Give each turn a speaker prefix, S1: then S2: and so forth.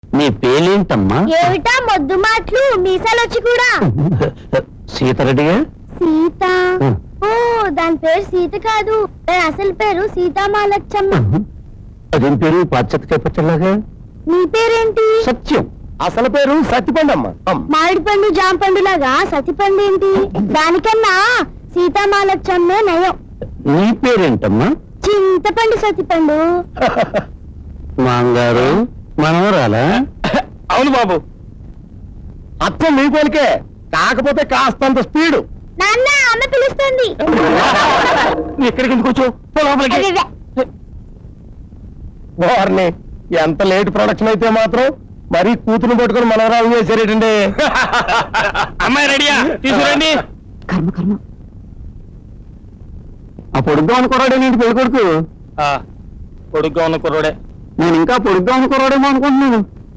S1: నీ పేలేంటమ్మా?
S2: ఏమిటా మొద్దు మాటలు మీసాలొచ్చి కూడా.
S1: సీతారెడ్డిగా?
S2: సీత.
S1: ఉం.
S2: ఓ దాని పేరు సీత కాదు, దాని అసలు పేరు సీతామాలచ్చమ్మ.
S1: అదేం పేరు పాశ్చాత్య పచ్చలాగా?
S2: నీ పేరేంటి?
S1: సత్యం. అసలు పేరు సత్యపండమ్మ.
S2: మామిడి పండు జాంపండు లాగా సతిపండు ఏంటి? దానికన్నా సీతామాలచ్చమ్మే నయం.
S1: నీ పేరేంటమ్మా?
S2: చింతపండు సతిపండు.
S1: మాంగారు మనవరాలా?
S3: అవును బాబు, అత్తం మీ పోలికే, కాకపోతే కాస్తంత స్పీడు.
S2: నాన్న అమ్మ పిలుస్తుంది.
S1: ఎక్కడికి ఎందుకు వచ్చావు? పో లోపలికి.
S2: అదే.
S3: వారిని ఎంత లేట్ ప్రొడక్షన్ అయితే మాత్రం మరీ కూతురు పట్టుకుని మనవరాలు చేశారేటండి.
S1: అమ్మాయి రెడీయా? తీసుకురండి. కర్మ కర్మ. ఆ పొడుగ్గా అనుకోరాడే నీటి పెళ్లి కొడుకు.
S3: పొడుగ్గా ఉన్న కుర్రోడే.
S1: నేను ఇంకా పొడుగ్గా అనుకోరాడేమో అనుకుంటున్నాను.